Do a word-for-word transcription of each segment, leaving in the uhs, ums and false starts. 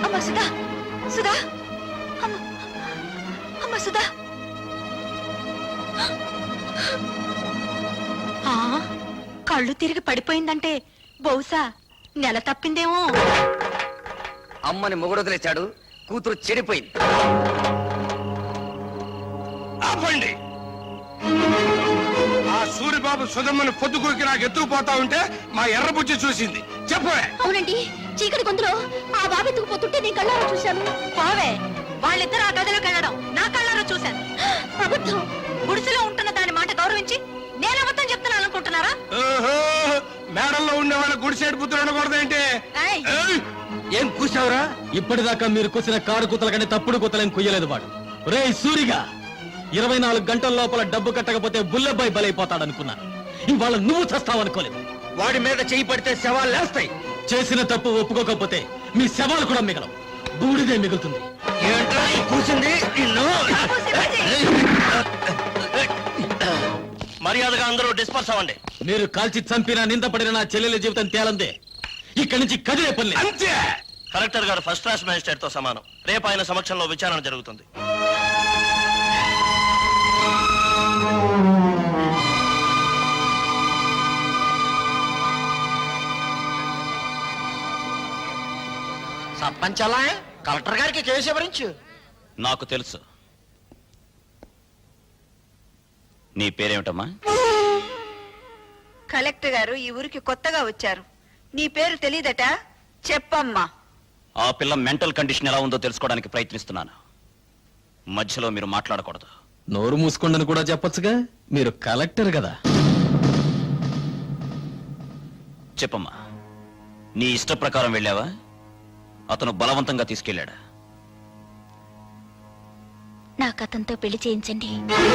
అమ్మ సుధా, సుధా, అమ్మ అమ్మ సుధా. కళ్ళు తిరిగి పడిపోయిందంటే బహుశా నెల తప్పిందేమో. అమ్మని మొగుడు వదిలేశాడు, కూతురు చెడిపోయింది. ఆపండి. ఆ సూరిబాబు సుధమ్మని పొద్దుకూరికి నాకు ఎత్తుకుపోతా ఉంటే మా ఎర్రబుజ్జి చూసింది. చెప్పే. అవునండి, చీకటి గొంతులో ఆ బాబు ఎత్తుకుపోతుంటే నీ కళ్ళారా చూశాను. బావే, వాళ్ళిద్దరు ఆ గదిలోకి వెళ్ళడం నా కళ్ళారా చూశాను. అబద్ధం. గుడిసెలో ఉంటున్న దాని మాట గౌరవించి నేను అబద్ధం చెప్తున్నాను అనుకుంటున్నారా? మేడల్లో ఉండే వాళ్ళ గుడిసేడు పుత్రులు ఉండకూడదేంటి? ఏం కూసావురా? ఇప్పటిదాకా మీరు కూసిన కారు కూతల కంటే తప్పుడు కూతలేం కుయ్యలేదు వాడు. రే సూరిగా, ఇరవై నాలుగు గంటల లోపల డబ్బు కట్టకపోతే బుల్లెబ్బాయి బలైపోతాడనుకున్నాను. ఇవాళ నువ్వు చస్తావనుకోలేదు. వాడి మీద చేయి పడితే శవాలు లేస్తాయి. చేసిన తప్పు ఒప్పుకోకపోతే మీ శవాలు కూడా మిగలవు, బూడిదే మిగులుతుంది. ఏంట్రా కూసింది? మర్యాదగా అందరూ డిస్పర్స్ అవ్వండి. మీరు కాల్చి చంపిన నిందపడిన నా చెల్లెల జీవితం తేలందే. ఇక్కడి నుంచి కదిలే పని. అంతే. కలెక్టర్ గారు ఫస్ట్ క్లాస్ మేజిస్ట్రేట్ తో సమానం. రేపు ఆయన సమక్షంలో విచారణ జరుగుతుంది. సర్పంచ్ అలా కలెక్టర్ గారికి కేసు ఎవరించు. నాకు తెలుసు. నీ పేరేమిటమ్మా? కలెక్టర్ గారు ఈ ఊరికి కొత్తగా వచ్చారు. నీ పేరు తెలీదట, చెప్పమ్మా. ఆ పిల్ల మెంటల్ కండిషన్ ఎలా ఉందో తెలుసుకోవడానికి ప్రయత్నిస్తున్నాను. మధ్యలో మీరు మాట్లాడకూడదు. నోరు మూసుకోండని కూడా చెప్పొచ్చుగా, మీరు కలెక్టర్ కదా. చెప్పమ్మా, నీ ఇష్ట ప్రకారం వెళ్ళావా? అతను బలవంతంగా తీసుకెళ్ళాడా? నాకు అతనితో పెళ్లి చేయించండి.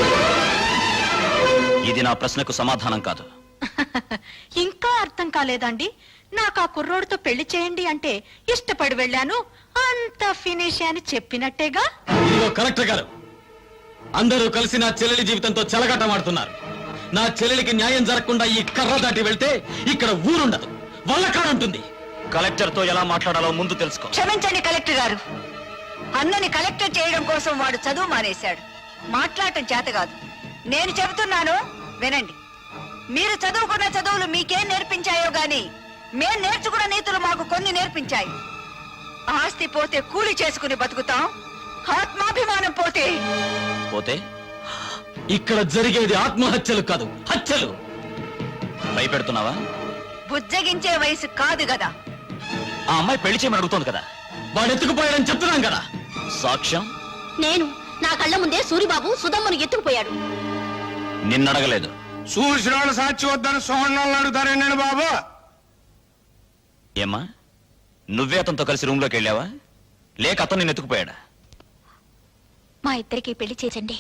ఇది నా ప్రశ్నకు సమాధానం కాదు. ఇంకా అర్థం కాలేదండి? నాకు ఆ కుర్రోడితో పెళ్లి చేయండి అంటే ఇష్టపడి వెళ్ళాను, అంత ఫినిష్ అని చెప్పినట్టేగా. ఇదిగో కలెక్టర్ గారు, అందరూ కలిసి నా చెల్లెలి జీవితంతో చెలగాటమాడుతున్నారు. నా చెల్లెలికి న్యాయం జరగకుండా ఈ కర్ర దాటి వెళ్తే ఇక్కడ ఊరుండదు, వల్లకాడుంటుంది. కలెక్టర్ తో ఎలా మాట్లాడాలో ముందు తెలుసుకో. క్షమించండి కలెక్టర్ గారు, అన్నని కలెక్టర్ చేయడం కోసం వాడు చదువు మానేశాడు. మాట్లాడటం చేత కాదు. నేను చెబుతున్నాను వినండి. మీరు చదువుకున్న చదువులు మీకేం నేర్పించాయో గాని మేం నేర్చుకున్న నీతులు మాకు కొన్ని నేర్పించాయి. ఆస్తి పోతే కూలి చేసుకుని బతుకుతాం, ఆత్మాభిమానం పోతే పోతే ఇక్కడ జరిగేది ఆత్మహత్యలు కాదు, హత్యలు. భయపెడుతున్నావా? బుజ్జగించే వయసు కాదు కదా. ఆ అమ్మాయి పెళ్లి చేయమని అడుగుతోంది కదా. వాడు ఎత్తుకుపోయాడని చెప్తున్నాం కదా. సాక్ష్యం? నేను నా కళ్ళ ముందే సూరిబాబు సుధమ్మను ఎత్తుకుపోయాడు. నిన్నడగలేదు. చూసిన వాళ్ళు సాక్షి వద్దని సోహన్ అడుగుతారే నేను బాబు. ఏమ్మా, నువ్వే అతనితో కలిసి రూమ్ లోకి వెళ్ళావా, లేక అతను నిన్ను ఎత్తుకుపోయాడా? మా ఇద్దరికి పెళ్లి చేయండి.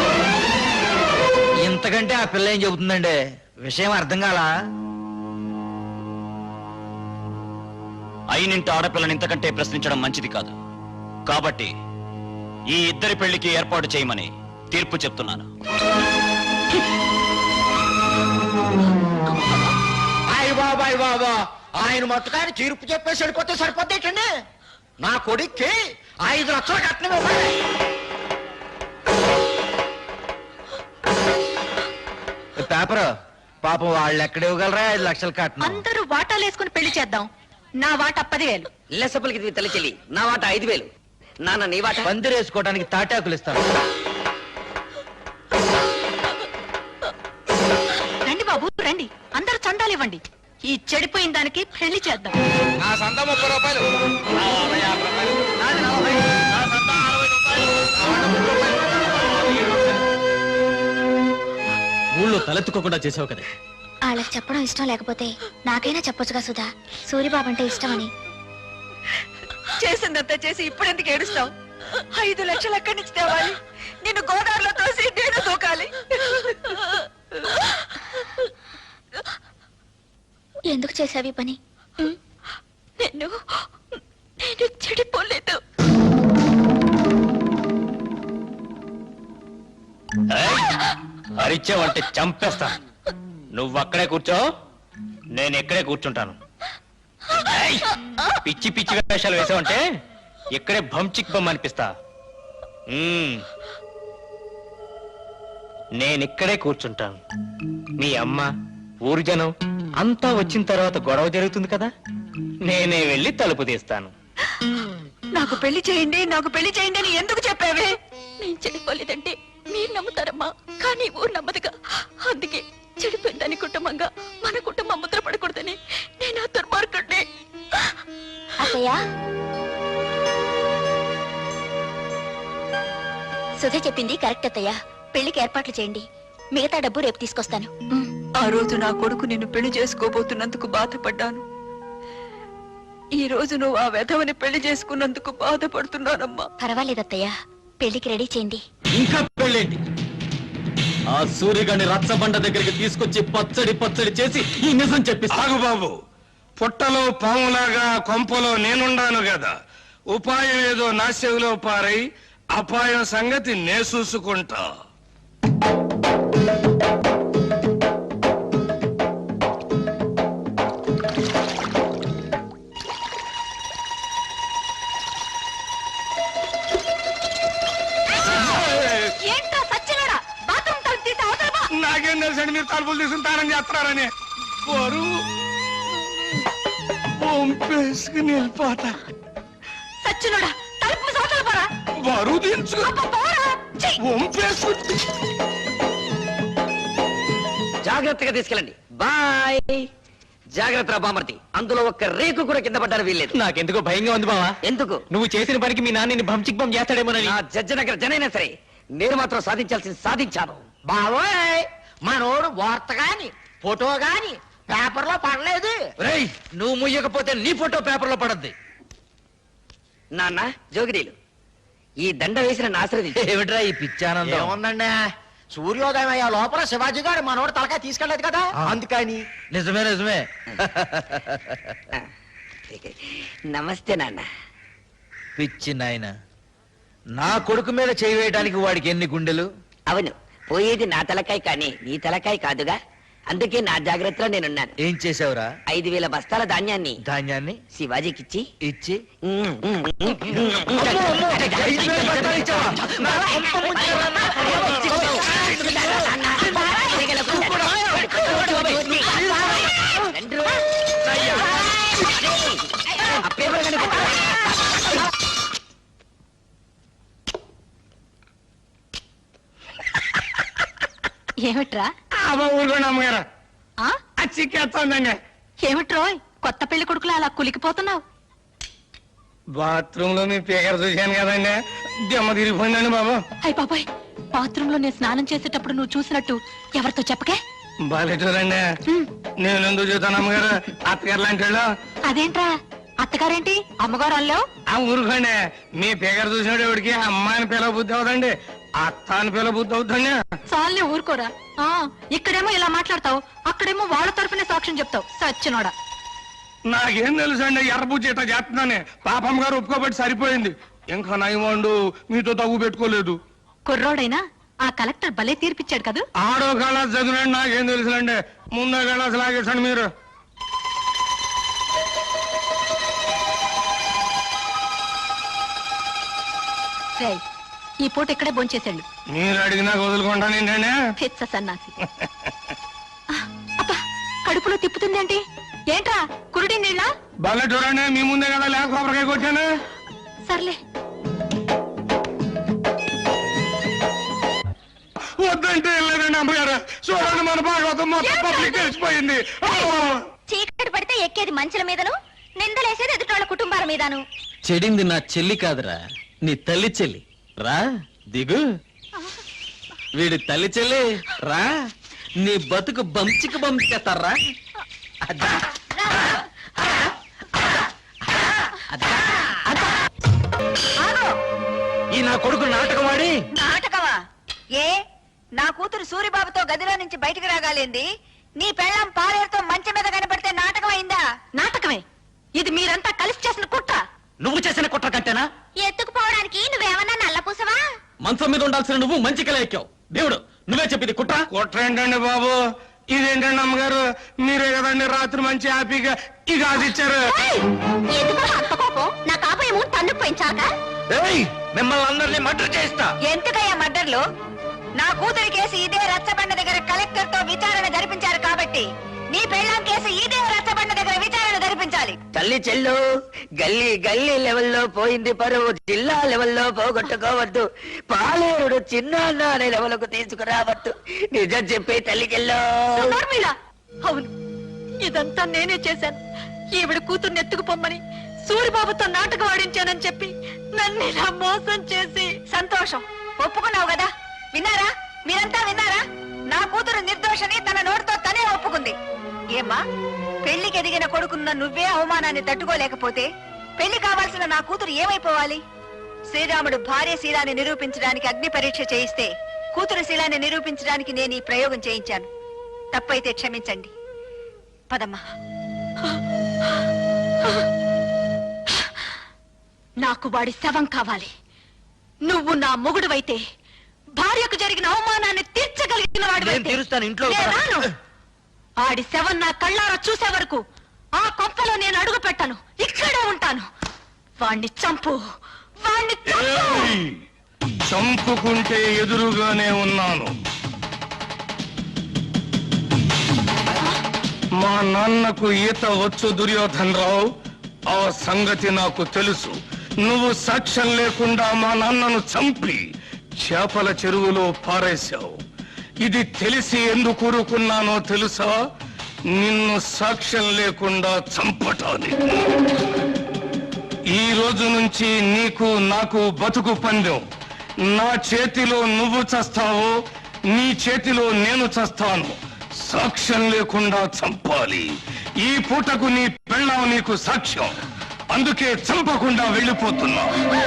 ఇంతకంటే ఆ పిల్ల ఏం చెబుతుందండి? విషయం అర్థం కాలా? అయినింటి ఆడపిల్లని ఇంతకంటే ప్రశ్నించడం మంచిది కాదు. కాబట్టి ఈ ఇద్దరి పెళ్లికి ఏర్పాటు చేయమని తీర్పు చెప్తున్నాను. అయ్య బాబా అయ్య బాబా, ఆయన మొత్తకాయని తీర్పు చెప్పేసి వెళ్ళిపోతే సరిపోతేటండి. నా కొడుక్కి ఐదు లక్షలు కట్నం ఇవ్వాలి. పేపర్ పాపం వాళ్ళు ఎక్కడ ఇవ్వగలరా ఐదు లక్షలు కట్నం? అందరూ వాటాలు వేసుకుని పెళ్లి చేద్దాం. నా వాటా పదివేలు. లెసపలికి తల్లి చెల్లి, నా వాట ఐదు వేలు. నాన్న నీ వాట? పందిరేసుకోవడానికి తాటాకులు ఇస్తాను. రండి బాబు రండి, అందరూ చందాలు ఇవ్వండి. ఈ చెడిపోయిన దానికి పెళ్లి చేద్దాం. నా సంత ముప్పై రూపాయలు. ఊళ్ళో తలెత్తుకోకుండా చేసావు కదా. వాళ్ళకి చెప్పడం ఇష్టం లేకపోతే నాకైనా చెప్పొచ్చుగా సుధా, సూరిబాబు అంటే ఇష్టమని. చేసిందంతా చేసి ఇప్పుడెందుకు ఏడుస్తావు? ఐదు లక్షలు ఎక్కడి నుంచి తేవాలి? నిన్ను గోదావరిలో తోసి నేను దూకాలి. ఎందుకు చేసావి పని? నేను నేను చెడిపోలేదు. అరిచావంటే చంపేస్తా. నువ్వు అక్కడే కూర్చో, నేను ఎక్కడే కూర్చుంటాను. పిచ్చి పిచ్చి వేషాలు వేసావంటే ఇక్కడే భంచిక్ బొమ్మ అనిపిస్తా మ్మ్. నేనిక్కడే కూర్చుంటాను. మీ అమ్మ ఊరు జనం అంతా వచ్చిన తర్వాత గొడవ జరుగుతుంది కదా, నేనే వెళ్ళి తలుపు తీస్తాను. నాకు పెళ్లి చేయండి నాకు పెళ్లి చేయండి అని ఎందుకు చెప్పావే? నేను చెడిపోలేదంటే మీరు నమ్ముతారమ్మా, కానీ ఊరు నమ్మదుగా. అందుకే చెడిపోయిందని కుటుంబంగా మన కుటుంబం ముద్ర పడకూడదని నేను ఆ దుర్మార్గుడిని. అత్తయ్య, సుధ చెప్పింది కరెక్ట్ అత్తయ్య. పెళ్లికి ఏర్పాట్లు చేయండి, మిగతా డబ్బు రేపు తీసుకొస్తాను. ఆ రోజు నా కొడుకు నిన్ను పెళ్లి చేసుకోబోతున్నందుకు బాధపడ్డాను. ఈ రోజు నువ్వు ఆ వెధవని పెళ్లి చేసుకున్నందుకు బాధపడుతున్నానమ్మా. పర్వాలేదు అత్తయ్య, పెళ్లికి రెడీ చేయండి. ఇంకా పెళ్ళేంటి? ఆ సూర్యగాడిని రచ్చబండ దగ్గరికి తీసుకొచ్చి పచ్చడి పచ్చడి చేసి ఈ నిజం చెప్పిస్తా. ఆగు బాబు, పుట్టలో పాములాగా కొంపలో నేనుండాను కదా, ఉపాయం ఏదో నా చెవిలో పారై అపాయం సంగతి నే చూసుకుంటా. ఏంటో సచ్చినోడా, బాత్రూమ్ తలుపు తీసి అవతల పో. నాకేం తెలుసండి మీరు తలుపులు తీసుకుంటారని చేస్తున్నారని. బరువు పంపేసుకుని వెళ్ళిపోతా. సచ్చినోడా, తలుపు మూసి అవతల పోరా. బరువు దించుకు అబ్బా, పోరా. ఛీ! వంపేసుకు. జాగ్రత్తగా తీసుకెళ్ళండి. బాయ్. జాగ్రత్త బామర్తి, అందులో ఒక్క రేకు కూడా కింద పడ్డారు వీల్లేదు. నాకెందుకో భయంగా ఉంది బావా. ఎందుకు? నువ్వు చేసిన పనికి మీ నాన్నని భంచిక్ బొమ్మ చేస్తాడేమోనని. నా జడ్జనగర జనైనా సరే నేను మాత్రం సాధించాల్సింది సాధించాను. బావోయ్, మనోడు వార్త గాని ఫోటో గాని పేపర్ లో పడలేదు. రేయ్, నువ్వు ముయ్యకపోతే నీ ఫోటో పేపర్ లో పడద్ది. నాన్న జోగిరీలు, ఈ దండ వేసిన ఆశ్రది ఏమిట్రా ఈ పిచ్చానందం? ఏముందండి, సూర్యోదయం అయ్యే లోపల శివాజీ గారు మనోడు తలకాయ తీసుకెళ్లేదు కదా, అందుకని. నిజమే నిజమే. నమస్తే నాన్న. పిచ్చి నాయన, నా కొడుకు మీద చేయి వేయడానికి వాడికి ఎన్ని గుండెలు? అవును, పోయేది నా తలకాయ కానీ నీ తలకాయ కాదుగా, అందుకే నా జాగ్రత్తలో నేనున్నాను. ఏం చేసావురా? ఐదు వేల బస్తాల ధాన్యాన్ని ధాన్యాన్ని శివాజీకిచ్చి ఇచ్చి ఐదు వేల బస్తాలు ఇచ్చావా? నా కొంప ముంచారా? ఏమిట్రా? అమ్మ ఊరుకోండి అమ్మగారు, ఆ? చిక్కేస్తోందండి. ఏమిట్రోయ్, కొత్త పెళ్లి కొడుకులా అలా కులికిపోతున్నావు? బాత్రూమ్ లో మీ పేకర చూశాను కదండి, దెమ్మ తిరిగిపోయిందండి బాబు. అయ్య బాబాయ్, బాత్రూమ్ లో నేను స్నానం చేసేటప్పుడు నువ్వు చూసినట్టు ఎవరితో చెప్పకే. బాలేటూరండి, నేను ఎందుకు చూస్తాను అమ్మగారు, అత్తగారు లాంటి వాళ్ళు. అదేంట్రా, అత్తగారేంటి అమ్మగారు అల్లావు? ఆ ఊరుకోండి, మీ పేకర చూసినట్టు ఎవరికి అమ్మాయిని పిల్ల బుద్ధి అవుతండి, అత్త అని పిల్ల బుద్ధి అవుతుంది. చాలే ఊరుకోరా. ఆ ఇక్కడేమో ఇలా మాట్లాడతావు, అక్కడేమో వాళ్ళ తరపునే సాక్ష్యం చెప్తావు. సచ్చినోడా, నాకేం తెలుసు అండి, ఎర్రబుజ్జి ఇట్లా చేస్తున్నానే, పాపం గారు ఒప్పుకోబట్టి సరిపోయింది. ఇంకా నయమండు మీతో తగ్గు పెట్టుకోలేదు. కుర్రోడైనా ఆ కలెక్టర్ భలే తీర్పిచ్చాడు కదా. ఆడో కళాస్ చదివినండి, నాకేం తెలుసులండి, ముందో కళాస్ లాగేసండి మీరు. రేయ్, ఈ పూట ఇక్కడే భోంచేసాడు. మీరు అడిగినా వదులుకుంటాను ఏంటండి. పిచ్చ సన్నాసి. ఆ, అబ్బా, కడుపులో తిప్పుతుందేంటి? ఏంట్రా కురుడి నీళ్ళ? భలే చూడండి, మీ ముందే కదా లేక కొబ్బరికాయ కొట్టాను. సర్లే, వద్దంటే వెళ్ళలేదండి అమ్మగారు. చూడండి, మన భాగవతం మొత్తం పబ్లిక్ తెలిసిపోయింది. చీకటి పడితే ఎక్కేది మంచుల మీదను, నిందలేసేది ఎదుటోళ్ళ కుటుంబాల మీదను. చెడింది నా చెల్లి కాదురా, నీ తల్లి చెల్లి. రా దిగు. వీడి తల్లి చెల్లి రా, నీ బతుకు బంచికి బంచేస్తారా. ఈ నా కొడుకు నాటకం ఆడి నాటకమా? ఏ, నా కూతురు సూరిబాబుతో గదిలో నుంచి బయటికి రాగాలింది, నీ పెళ్ళం పాలేరుతో మంచం మీద కనపడితే నాటకం అయిందా? నాటకమే. ఇది మీరంతా కలిసి చేసిన కుట్ర. నువ్వు చేసిన కుట్ర కంటేనా? ఎత్తుకుపోవడానికి నువ్వేమన్నా నల్లపూసవా? మంచం మీద ఉండాల్సిన నువ్వు మంచి కల ఎక్కావు. దేవుడు, నువ్వే చెప్పింది కుట్ర. కుట్ర ఏంటండి బాబు, ఇదేంటండి అమ్మగారు, మీరే కదండి రాత్రి మంచి హ్యాపీగా ఇక అది ఇచ్చారు. ఎందుకు అంత కోపం? నా కాబోయేమో తన్నుకు పోయించా? కాక ఏయ్, మిమ్మల్ని అందరినీ మర్డర్ చేస్తా. ఎందుకయ్యా మర్డర్లు? నా కూతురి కేసు ఇదే రచ్చబండ దగ్గర కలెక్టర్ తో విచారణ జరిపించారు కాబట్టి నీ పెళ్ళాం కేసు ఇదే రచ్చబండ దగ్గర విచారణ జరిపించాలి. తల్లి చెల్లు గల్లీ గల్లీ లెవెల్లో పోయింది పరువు, జిల్లా లెవెల్లో పోగొట్టుకోవద్దు, పాలేరుడు చిన్న అనే లెవెల్కు తీసుకురావద్దు. నిజం చెప్పి తల్లి చెల్లు. నోర్మిళ, అవును ఇదంతా నేనే చేశాను. ఈవిడ కూతుర్ని ఎత్తుకుపోమ్మని సూరిబాబుతో నాటకం ఆడించానని చెప్పి నన్ను ఇలా మోసం చేసి. సంతోషం, ఒప్పుకున్నావు కదా. విన్నారా, మీరంతా విన్నారా? నా కూతురు నిర్దోషని తన నోటితో తనే ఒప్పుకుంది. ఏమ్మా, పెళ్లికి ఎదిగిన కొడుకున్న నువ్వే అవమానాన్ని తట్టుకోలేకపోతే పెళ్లి కావాల్సిన నా కూతురు ఏమైపోవాలి? శ్రీరాముడు భార్య శీలాన్ని నిరూపించడానికి అగ్ని పరీక్ష చేయిస్తే కూతురు శీలాన్ని నిరూపించడానికి నేను ఈ ప్రయోగం చేయించాను. తప్పైతే క్షమించండి. పదమ్మా. నాకు వాడి శవం కావాలి. నువ్వు నా మొగుడువైతే భార్యకు జరిగిన అవమానాన్ని తీర్చగలిగిన నేను తీరుస్తాను, ఇంట్లో వాడు. ఆడి శవం నా కళ్ళారా చూసే వరకు ఆ కొంపలో నేను అడుగు పెట్టను, ఇక్కడే ఉంటాను. వాణ్ణి చంపు, వాణ్ణి చంపు. ఏయ్! చంపుకుంటే ఎదురుగానే ఉన్నాను. మా నాన్నకు ఈత వచ్చు దుర్యోధన్ రావు, ఆ సంగతి నాకు తెలుసు. నువ్వు సాక్ష్యం లేకుండా మా నాన్నను చంపి చేపల చెరువులో పారేశావు. ఇది తెలిసి ఎందుకు ఊరుకున్నానో తెలుసా? నిన్ను సాక్ష్యం లేకుండా చంపటానికి. ఈ రోజు నుంచి నీకు నాకు బతుకు పందెం. నా చేతిలో నువ్వు చస్తావో, నీ చేతిలో నేను చస్తాను. సాక్ష్యం లేకుండా చంపాలి. ఈ పూటకు నీ పెళ్ళాం నీకు సాక్ష్యం. అందుకే చంపకుండా వెళ్ళిపోతున్నా.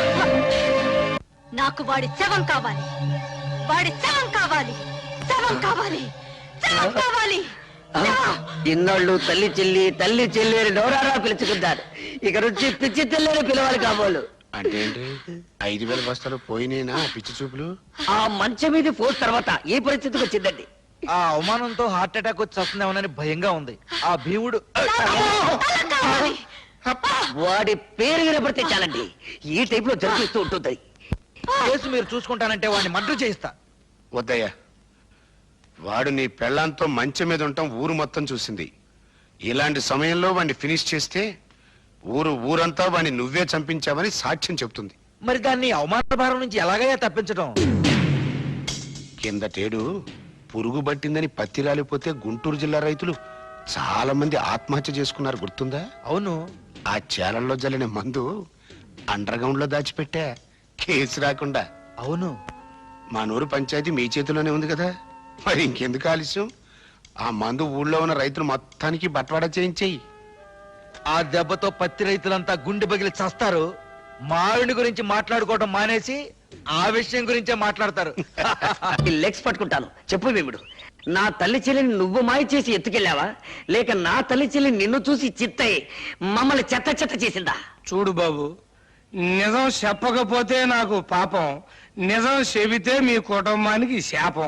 నాకు వాడి శవం కావాలి, వాడి శవం కావాలి, శవం కావాలి, శవం కావాలి. ఇన్నాళ్ళు తల్లి చెల్లి తల్లి చెల్లి అని నోరారా పిలుచుకుంటారు. ఇక నుంచి పిచ్చి తెల్లని పిలవాలి కాబోలు. అంటే ఏంటి? ఐదు వేల బస్తాలు పోయినేనా పిచ్చి చూపులు? ఆ మంచం మీద పోస్ట్ తర్వాత ఈ పరిస్థితికి వచ్చిందండి. ఆ అవమానంతో హార్ట్ అటాక్ వచ్చి వస్తుందేమోనని భయంగా ఉంది. ఆ భీముడు శవం కావాలి. వాడి పేరు వినపడితే చాలండి, ఈ టైప్ లో జరిపిస్తూ ఉంటుంది. కేసు మీరు చూసుకుంటానంటే వాడిని మర్డర్ చేయిస్తా. వద్దయ్యా, వాడు నీ పెళ్ళాంతో మంచం మీద ఉంటాం ఊరు మొత్తం చూసింది. ఇలాంటి సమయంలో వాడిని ఫినిష్ చేస్తే ఊరు ఊరంతా వాడిని నువ్వే చంపించావని సాక్ష్యం చెప్తుంది. మరి దాన్ని అవమాన భారం నుంచి ఎలాగయ్యా తప్పించడం? కిందటేడు పురుగు పట్టిందని పత్తి రాలిపోతే గుంటూరు జిల్లా రైతులు చాలా మంది ఆత్మహత్య చేసుకున్నారు, గుర్తుందా? అవును. ఆ చేలల్లో జల్లిన మందు అండర్ గ్రౌండ్ లో దాచిపెట్టా, కేసు రాకుండా. అవును. మా నూరు పంచాయతీ మీ చేతిలోనే ఉంది కదా, మరి ఇంకెందుకు ఆలస్యం? ఆ మందు ఊళ్ళో ఉన్న రైతులు మొత్తానికి బట్వాడా చేయించేయి. ఆ దెబ్బతో పత్తి రైతులంతా గుండె పగిలి చస్తారు. మావిడి గురించి మాట్లాడుకోవడం మానేసి ఆ విషయం గురించే మాట్లాడతారు. లెగ్స్ పట్టుకుంటాను. చెప్పు భీముడు, నా తల్లి చెల్లిని నువ్వు మాయ చేసి ఎత్తుకెళ్ళావా, లేక నా తల్లి చెల్లి నిన్ను చూసి చిత్తయి మమ్మల్ని చెత్త చెత్త చేసిందా? చూడు బాబు, నిజం చెప్పకపోతే నాకు పాపం, నిజం చెబితే మీ కుటుంబానికి శాపం.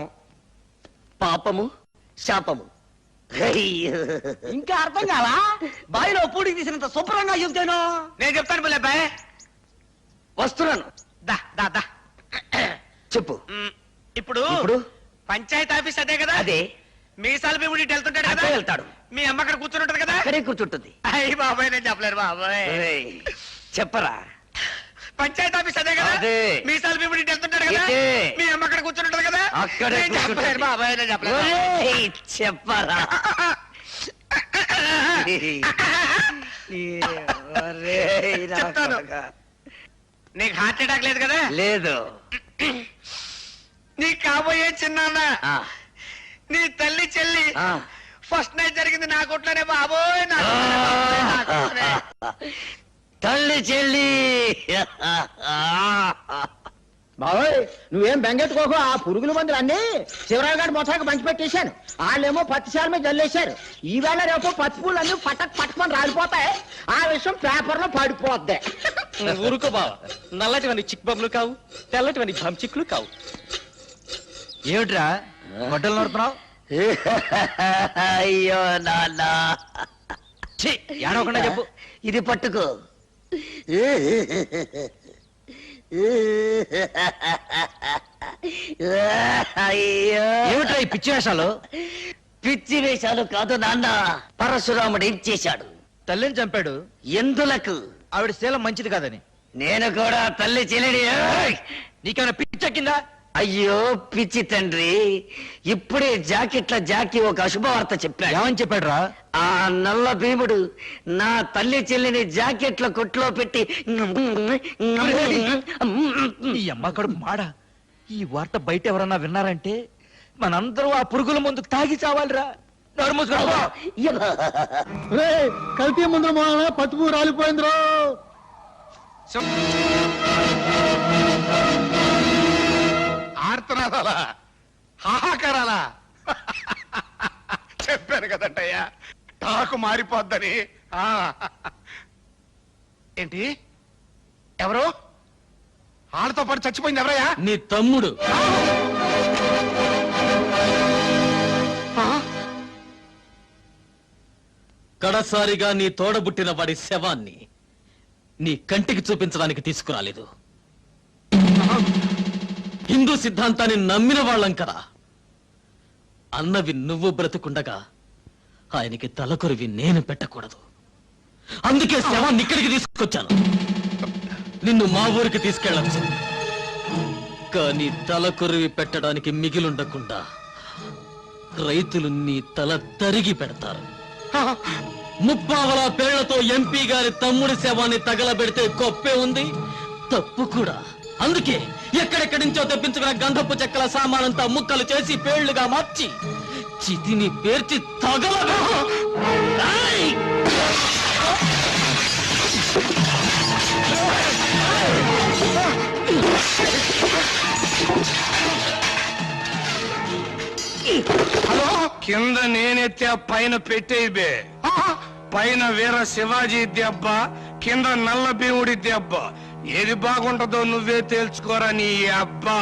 పాపము శాపము. ఇంకా అర్థం కావా? బావిలో పూడికి తీసినంత శుభ్రంగా చెబుతాను. నేను చెప్తాను బుల్లెబ్బాయ్. వస్తున్నాను. దా దా దా చెప్పు. ఇప్పుడు ఇప్పుడు పంచాయతీ ఆఫీస్ అదే కదా? అదే. మీసాల భీముడి ఇటు వెళ్తుంటాడు కదా? అటే వెళ్తాడు. మీ అమ్మ అక్కడ కూర్చుని ఉంటది కదా? అక్కడే కూర్చుంటుంది. అయ్యి బాబాయ్, నేను చెప్పలేరు బాబాయ్. ఏయ్, చెప్పరా. పంచాయతీ ఆఫీస్ అదే కదా? అదే. మీసాల భీముడి ఇటు వెళ్తుంటాడు కదా? ఇదే. మీ అమ్మ అక్కడ కూర్చుని ఉంటది కదా? అక్కడే నేను చెప్పలేరు కూర్చుంటుంది. బాబాయ్, నేను చెప్పలేరు. ఒరేయ్, చెప్పరా. ఒరేయ్, నా చెప్తాను. కొడకా. నీకు హార్ట్ అటాక్ లేదు కదా? లేదు. నీ కాబోయే చిన్నాన్న, ఆ, నీ తల్లి చెల్లి ఆ. ఫస్ట్ నైట్ జరిగింది నా కొట్లోనే బాబోయ్, నా కొట్లోనే బాబోయ్, నా కొట్లోనే. తల్లి చెల్లి. బాబోయ్, నువ్వేం బెంగెట్టుకోకు. ఆ పురుగుల మందులు అన్ని శివరావు గారి మొత్తానికి పంచి పెట్టేశాను. వాళ్ళేమో పత్తి శాల మీద జల్లేశారు. ఈవేళ రేపు పత్తి పూలు అన్ని పట్టక్ పట్టుకొని రాలిపోతాయి. ఆ విషయం పేపర్ లో పడిపోద్ది. ఊరుకో బావ, నల్లటివని చిక్ బొమ్మలు కావు, తెల్లటివని చిక్కులు కావు. ఏమిట్రా గొడ్డలు నడుతున్నావు? అయ్యో నాన్న, ఏడవకుండా చెప్పు. ఇది పట్టుకో. అయ్యో ఏమిట్రా ఈ పిచ్చి వేషాలు? పిచ్చి వేషాలు కాదు నాన్న, పరశురాముడు ఏం చేశాడు? తల్లిని చంపాడు. ఎందులకు? ఆవిడ శీలం మంచిది కాదని. నేను కూడా తల్లి చెల్లిని. నీకేమైనా పిచ్చెక్కిందా? అయ్యో పిచ్చి తండ్రి, ఇప్పుడే జాకెట్ల జాకి ఒక అశుభవార్త చెప్పాడు. ఏమని చెప్పాడు రా? ఆ నల్ల భీముడు నా తల్లి చెల్లిని జాకెట్ల కొట్లో పెట్టి ఈ అమ్మ కడుపు మాడ. ఈ వార్త బయట ఎవరన్నా విన్నారంటే మనందరూ ఆ పురుగుల ముందు తాగి చావాలిరా. నోరు మూసుకో. కల్తీ ముందు పట్టుపు రాలిపోయిందిరో. ఆర్తనాదాలా, హాహాకారాలా? చెప్పాను కదంటయ్యా, టాకు మారిపోద్దని. ఆ. ఏంటి? ఎవరు? వాళ్ళతో పాటు చచ్చిపోయింది ఎవరయ్యా? నీ తమ్ముడు. కడసారిగా నీ తోడబుట్టిన వాడి శవాన్ని నీ కంటికి చూపించడానికి తీసుకురాలేదు. హిందూ సిద్ధాంతాన్ని నమ్మిన వాళ్ళం కదా. అన్నవి నువ్వు బ్రతుకుండగా ఆయనకి తలకొరివి నేను పెట్టకూడదు. అందుకే శవాన్ని ఇక్కడికి తీసుకొచ్చాను. నిన్ను మా ఊరికి తీసుకెళ్ళచ్చు, కానీ తలకొరివి పెట్టడానికి మిగిలుండకుండా రైతులు నీ తల తరిగి పెడతారు. ముప్పావల పేళ్లతో ఎంపీ గారి తమ్ముడి శవాన్ని తగలబెడితే గొప్పే ఉంది, తప్పు కూడా. అందుకే ఎక్కడెక్కడి నుంచో తెప్పించుకున్న గంధపు చెక్కల సామానంతా ముక్కలు చేసి పేళ్లుగా మార్చి చితిని పేర్చి తగల. హలో, కింద నేనెత్తే పైన పెట్టేయి బే. పైన వీర శివాజీ దెబ్బ, కింద నల్ల భీముడి దెబ్బ. ఏది బాగుంటుందో నువ్వే తేల్చుకోరా నీ అబ్బా.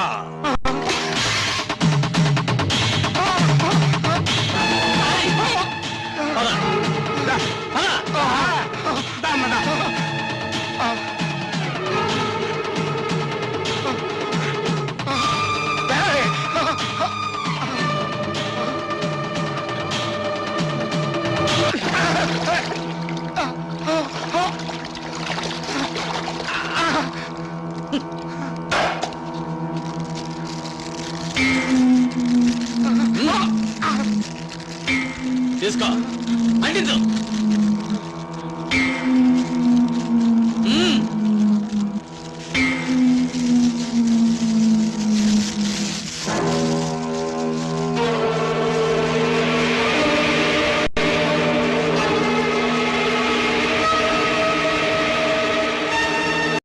తీసుకో, అంటించు.